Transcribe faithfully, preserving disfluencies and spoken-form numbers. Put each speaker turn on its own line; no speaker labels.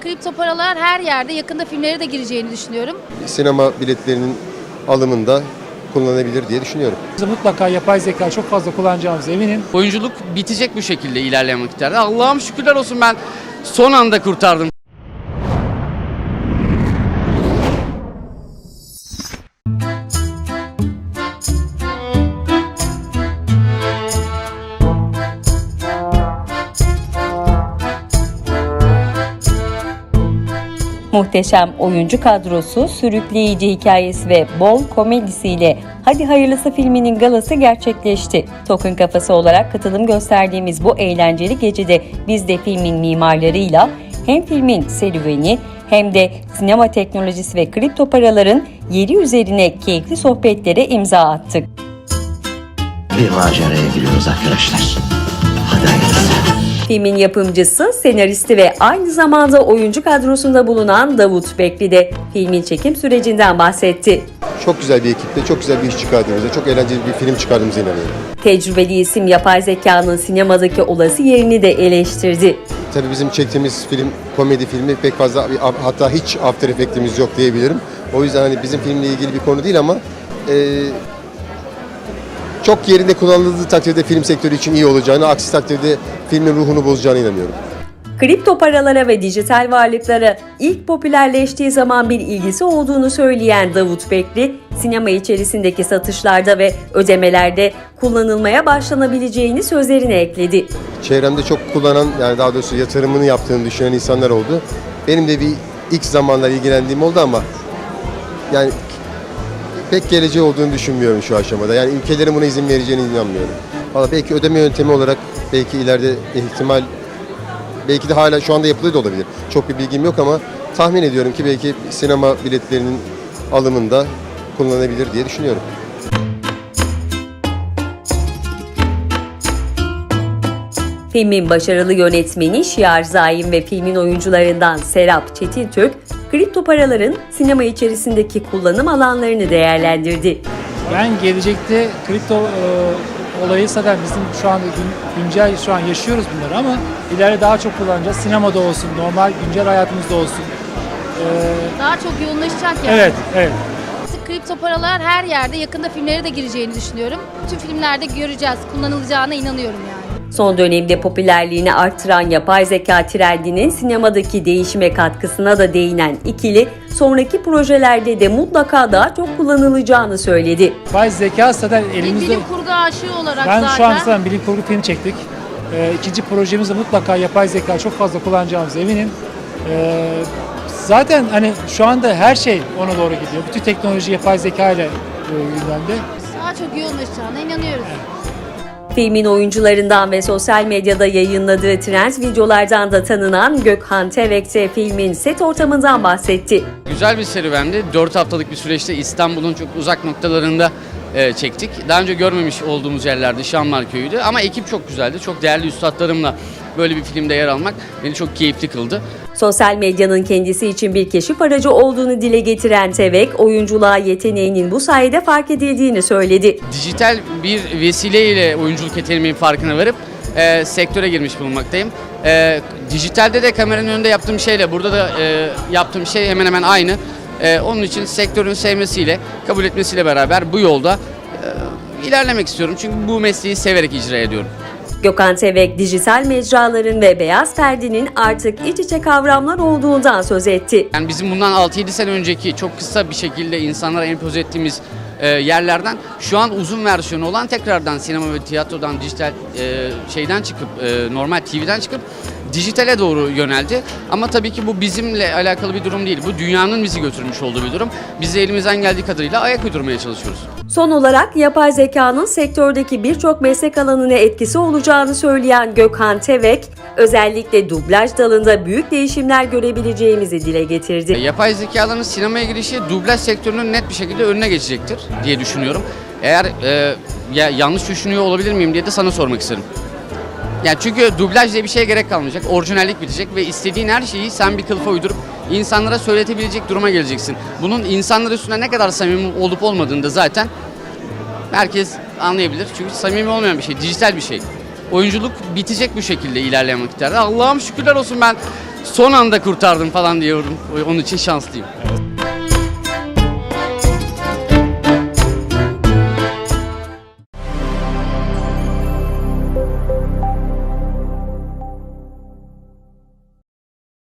kripto paralar her yerde, yakında filmlere de gireceğini düşünüyorum.
Sinema biletlerinin alımında kullanılabilir diye düşünüyorum.
Mutlaka yapay zeka çok fazla kullanacağımız eminim.
Oyunculuk bitecek bu şekilde ilerleyen vakitlerde. Allah'ım şükürler olsun, ben son anda kurtardım.
Muhteşem oyuncu kadrosu, sürükleyici hikayesi ve bol komedisiyle Hadi Hayırlısı filminin galası gerçekleşti. Token Kafası olarak katılım gösterdiğimiz bu eğlenceli gecede biz de filmin mimarlarıyla hem filmin serüveni hem de sinema teknolojisi ve kripto paraların yeri üzerine keyifli sohbetlere imza attık.
Bir maceraya giriyoruz arkadaşlar. Hadi hayırlısı.
Filmin yapımcısı, senaristi ve aynı zamanda oyuncu kadrosunda bulunan Davut Bekli de filmin çekim sürecinden bahsetti.
Çok güzel bir ekiple çok güzel bir iş çıkardığımıza, çok eğlenceli bir film çıkardığımıza inanıyorum.
Tecrübeli isim yapay zekanın sinemadaki olası yerini de eleştirdi.
Tabii bizim çektiğimiz film komedi filmi, pek fazla, hatta hiç After Effect'imiz yok diyebilirim. O yüzden hani bizim filmle ilgili bir konu değil ama e, çok yerinde kullanıldığı takdirde film sektörü için iyi olacağını, aksi takdirde filmin ruhunu bozacağına inanıyorum.
Kripto paralara ve dijital varlıklara ilk popülerleştiği zaman bir ilgisi olduğunu söyleyen Davut Bekli, sinema içerisindeki satışlarda ve ödemelerde kullanılmaya başlanabileceğini sözlerine ekledi.
Çevremde çok kullanan, yani daha doğrusu yatırımını yaptığını düşünen insanlar oldu. Benim de bir ilk zamanlar ilgilendiğim oldu ama yani pek geleceği olduğunu düşünmüyorum şu aşamada. Yani ülkelerin buna izin vereceğine inanmıyorum. Valla belki ödeme yöntemi olarak belki ileride ihtimal, belki de hala şu anda yapılıyor da olabilir. Çok bir bilgim yok ama tahmin ediyorum ki belki sinema biletlerinin alımında kullanılabilir diye düşünüyorum.
Filmin başarılı yönetmeni Şiar Zaim ve filmin oyuncularından Serap Çetintürk, kripto paraların sinema içerisindeki kullanım alanlarını değerlendirdi.
Ben gelecekte kripto e, olayı zaten bizim şu anda gün, güncel şu an yaşıyoruz bunları ama ileride daha çok kullanacağız. Sinemada olsun, normal güncel hayatımızda olsun. E,
Daha çok yoğunlaşacak yani.
evet, evet.
Kripto paralar her yerde, yakında filmlere de gireceğini düşünüyorum. Tüm filmlerde göreceğiz, kullanılacağına inanıyorum yani.
Son dönemde popülerliğini arttıran yapay zeka trendinin sinemadaki değişime katkısına da değinen ikili, sonraki projelerde de mutlaka daha çok kullanılacağını söyledi.
Yapay zeka zaten
Bir
elimizde.
bilim kurgu aşığı olarak
Ben
zaten.
şu an zaten bilim kurgu film çektik. E, ikinci projemizde mutlaka yapay zeka çok fazla kullanacağımız eminim. E, zaten hani şu anda her şey ona doğru gidiyor. Bütün teknoloji yapay zeka ile e, gündemde.
Daha çok yoğunlaşacağına inanıyoruz.
Filmin oyuncularından ve sosyal medyada yayınladığı trend videolardan da tanınan Gökhan Tevek de filmin set ortamından bahsetti.
Güzel bir serüvendi. dört haftalık bir süreçte İstanbul'un çok uzak noktalarında e, çektik. Daha önce görmemiş olduğumuz yerlerde Şamlar Köyü'ydü ama ekip çok güzeldi. Çok değerli üstadlarımla böyle bir filmde yer almak beni çok keyifli kıldı.
Sosyal medyanın kendisi için bir keşif aracı olduğunu dile getiren Tevek, oyunculuğa yeteneğinin bu sayede fark edildiğini söyledi.
Dijital bir vesileyle oyunculuk yeteneğimin farkına varıp e, sektöre girmiş bulunmaktayım. E, dijitalde de kameranın önünde yaptığım şeyle burada da e, yaptığım şey hemen hemen aynı. E, onun için sektörün sevmesiyle, kabul etmesiyle beraber bu yolda e, ilerlemek istiyorum. Çünkü bu mesleği severek icra ediyorum.
Gökhan Tevek, dijital mecraların ve beyaz perdenin artık iç içe kavramlar olduğundan söz etti.
Yani bizim bundan altı yedi sene önceki çok kısa bir şekilde insanlara empoze ettiğimiz e, yerlerden şu an uzun versiyonu olan tekrardan sinema ve tiyatrodan, dijital e, şeyden çıkıp, e, normal T V'den çıkıp dijitale doğru yöneldi. Ama tabii ki bu bizimle alakalı bir durum değil. Bu dünyanın bizi götürmüş olduğu bir durum. Biz de elimizden geldiği kadarıyla ayak uydurmaya çalışıyoruz.
Son olarak yapay zekanın sektördeki birçok meslek alanına etkisi olacağını söyleyen Gökhan Tevek, özellikle dublaj dalında büyük değişimler görebileceğimizi dile getirdi.
Yapay zekaların sinemaya girişi dublaj sektörünün net bir şekilde önüne geçecektir diye düşünüyorum. Eğer e, ya yanlış düşünüyor olabilir miyim diye de sana sormak isterim. Yani çünkü dublaj diye bir şeye gerek kalmayacak, orijinallik bitecek ve istediğin her şeyi sen bir kılıfa uydurup insanlara söyletebilecek duruma geleceksin. Bunun insanlar üstünde ne kadar samimi olup olmadığını da zaten herkes anlayabilir. Çünkü samimi olmayan bir şey, dijital bir şey. Oyunculuk bitecek bu şekilde ilerleyen vakitlerde. Allah'ım şükürler olsun, ben son anda kurtardım falan diyorum. Onun için şanslıyım.